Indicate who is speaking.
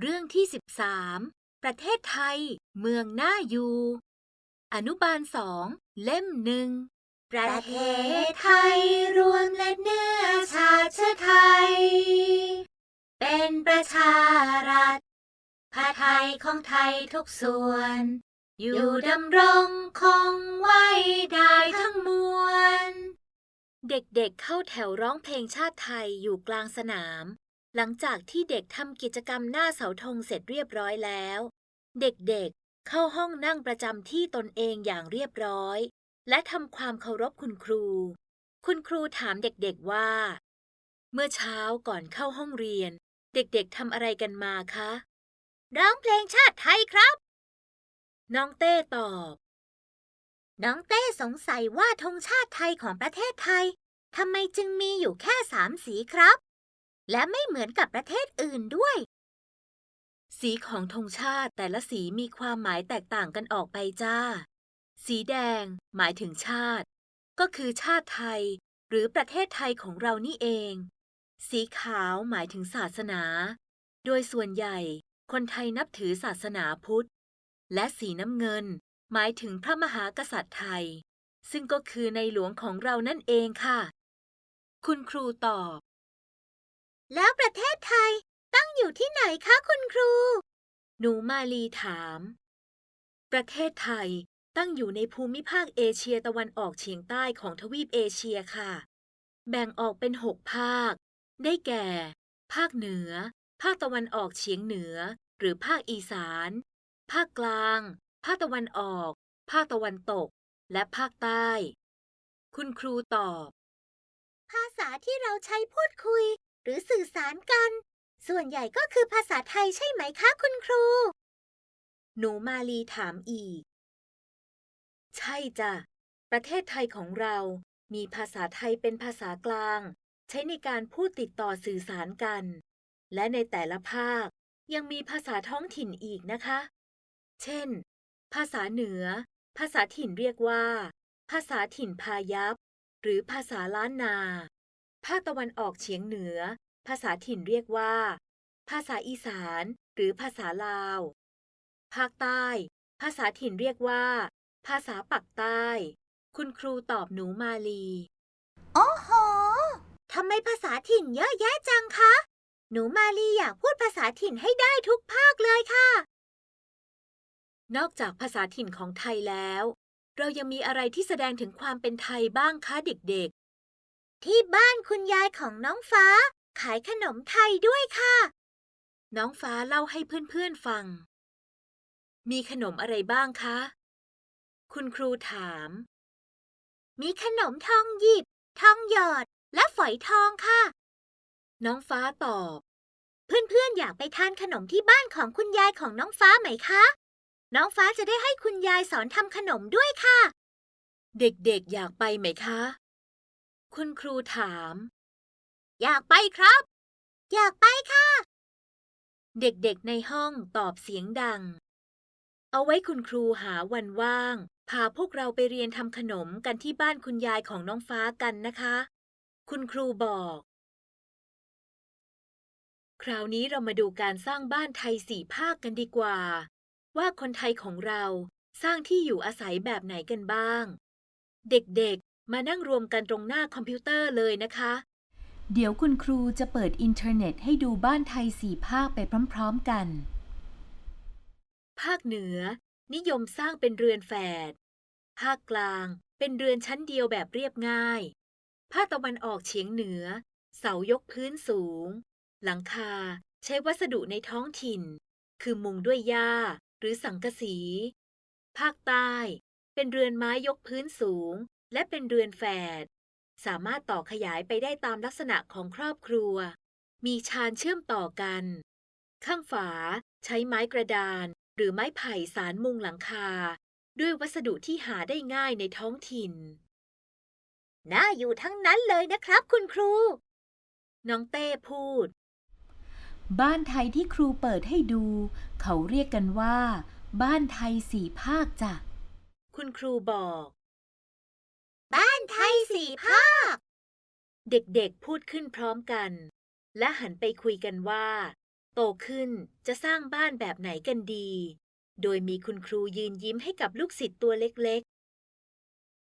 Speaker 1: เรื่องที่13ประเทศไทยเมืองน่าอยู่อนุบาล2เล่ม1
Speaker 2: ประเทศไทยรวมและเนื้อชาติเชื้อไทยเป็นประชารัฐผ้าไทยของไทยทุกส่วนอยู่ดำรงคงไว้ได้ทั้งมวล
Speaker 1: เด็กๆเข้าแถวร้องเพลงชาติไทยอยู่กลางสนามหลังจากที่เด็กทำกิจกรรมหน้าเสาธงเสร็จเรียบร้อยแล้วเด็กๆเข้าห้องนั่งประจำที่ตนเองอย่างเรียบร้อยและทำความเคารพคุณครูคุณครูถามเด็กๆว่าเมื่อเช้าก่อนเข้าห้องเรียนเด็กๆทำอะไรกันมาคะ
Speaker 2: ร้องเพลงชาติไทยครับ
Speaker 1: น้องเต้ตอบ
Speaker 2: น้องเต้สงสัยว่าธงชาติไทยของประเทศไทยทำไมจึงมีอยู่แค่3 สีครับและไม่เหมือนกับประเทศอื่นด้วย
Speaker 1: สีของธงชาติแต่ละสีมีความหมายแตกต่างกันออกไปจ้า สีแดงหมายถึงชาติก็คือชาติไทยหรือประเทศไทยของเรานี่เอง สีขาวหมายถึงศาสนา โดยส่วนใหญ่คนไทยนับถือศาสนาพุทธ และสีน้ำเงินหมายถึงพระมหากษัตริย์ไทย ซึ่งก็คือในหลวงของเรานั่นเองค่ะ คุณครูตอบ
Speaker 2: แล้วประเทศไทยตั้งอยู่ที่ไหนคะคุณครู
Speaker 1: หนูมาลีถาม ประเทศไทยตั้งอยู่ในภูมิภาคเอเชียตะวันออกเฉียงใต้ของทวีปเอเชียค่ะ แบ่งออกเป็น6 ภาค ได้แก่ ภาคเหนือ ภาคตะวันออกเฉียงเหนือ หรือภาคอีสาน ภาคกลาง ภาคตะวันออก ภาคตะวันตก และภาคใต้ คุณครูตอบ
Speaker 2: ภาษาที่เราใช้พูดคุยหรือสื่อสารกันส่วนใหญ่ก็คือภาษาไทยใช่ไหมคะคุณครู
Speaker 1: หนูมาลีถามอีก ใช่จ้ะ ประเทศไทยของเรามีภาษาไทยเป็นภาษากลางใช้ในการพูดติดต่อสื่อสารกัน และในแต่ละภาคยังมีภาษาท้องถิ่นอีกนะคะ เช่น ภาษาเหนือ ภาษาถิ่นเรียกว่า ภาษาถิ่นพายัพหรือภาษาล้านนา ภาคตะวันออกเฉียงเหนือ ภาษาถิ่นเรียกว่า ภาษาอีสานหรือภาษาลาว ภาคใต้ ภาษาถิ่นเรียกว่า ภาษาปักใต้ คุณครูตอบหนูมาลี
Speaker 2: โอ้โหทำไมภาษาถิ่นเยอะแยะจังคะหนูมาลีอยากพูดภาษาถิ่นให้ได้ทุกภาคเลยค่ะ
Speaker 1: นอกจากภาษาถิ่นของไทยแล้ว เรายังมีอะไรที่แสดงถึงความเป็นไทยบ้างคะเด็ก
Speaker 2: ที่บ้านคุณยายของน้องฟ้าขายขนมไทยด้วยค่ะ
Speaker 1: ๆ น้องฟ้าเล่าให้เพื่อนๆฟัง มีขนมอะไรบ้างคะ คุณครูถาม
Speaker 2: มีขนมทองหยิบทองหยอดและฝอยทองค่ะ
Speaker 1: น้องฟ้าตอบ
Speaker 2: เพื่อนๆอยากไปทานขนมที่บ้านของคุณยายของน้องฟ้าไหมคะน้องฟ้าจะได้ให้คุณยายสอนทำขนมด้วยค่ะ
Speaker 1: เด็กๆอยากไปไหมคะ คุณครูถาม
Speaker 2: อยากไปครับอยากไปค่ะ
Speaker 1: เด็กๆในห้องตอบเสียงดัง เอาไว้คุณครูหาวันว่างพาพวกเราไปเรียนทำขนมกันที่บ้านคุณยายของน้องฟ้ากันนะคะ คุณครูบอก คราวนี้เรามาดูการสร้างบ้านไทย4 ภาคกันดีกว่า ว่าคนไทยของเราสร้างที่อยู่อาศัยแบบไหนกันบ้าง เด็กๆมานั่งรวมกันตรงหน้าคอมพิวเตอร์เลยนะคะ เดี๋ยวคุณครูจะเปิดอินเทอร์เน็ตให้ดูบ้านไทย4 ภาคไปพร้อมๆกัน ภาคเหนือนิยมสร้างเป็นเรือนแฝด ภาคกลางเป็นเรือนชั้นเดียวแบบเรียบง่าย ภาคตะวันออกเฉียงเหนือเสายกพื้นสูง หลังคาใช้วัสดุในท้องถิ่น คือมุงด้วยหญ้าหรือสังกะสี ภาคใต้เป็นเรือนไม้ยกพื้นสูงและเป็นเรือนแฝด สามารถต่อขยายไปได้ตามลักษณะของครอบครัว มีชานเชื่อมต่อกัน ข้างฝาใช้ไม้กระดานหรือไม้ไผ่สานมุงหลังคาด้วยวัสดุที่หาได้ง่ายในท้องถิ่น
Speaker 2: น่าอยู่ทั้งนั้นเลยนะครับคุณครู
Speaker 1: น้องเต้พูด บ้านไทยที่ครูเปิดให้ดูเขาเรียกกันว่าบ้านไทย4 ภาคจ้ะคุณครูบอก
Speaker 2: บ้านไทย4 ภาค
Speaker 1: เด็กๆพูดขึ้นพร้อมกันและหันไปคุยกันว่าโตขึ้นจะสร้างบ้านแบบไหนกันดี โดยมีคุณครูยืนยิ้มให้กับลูกศิษย์ตัวเล็ก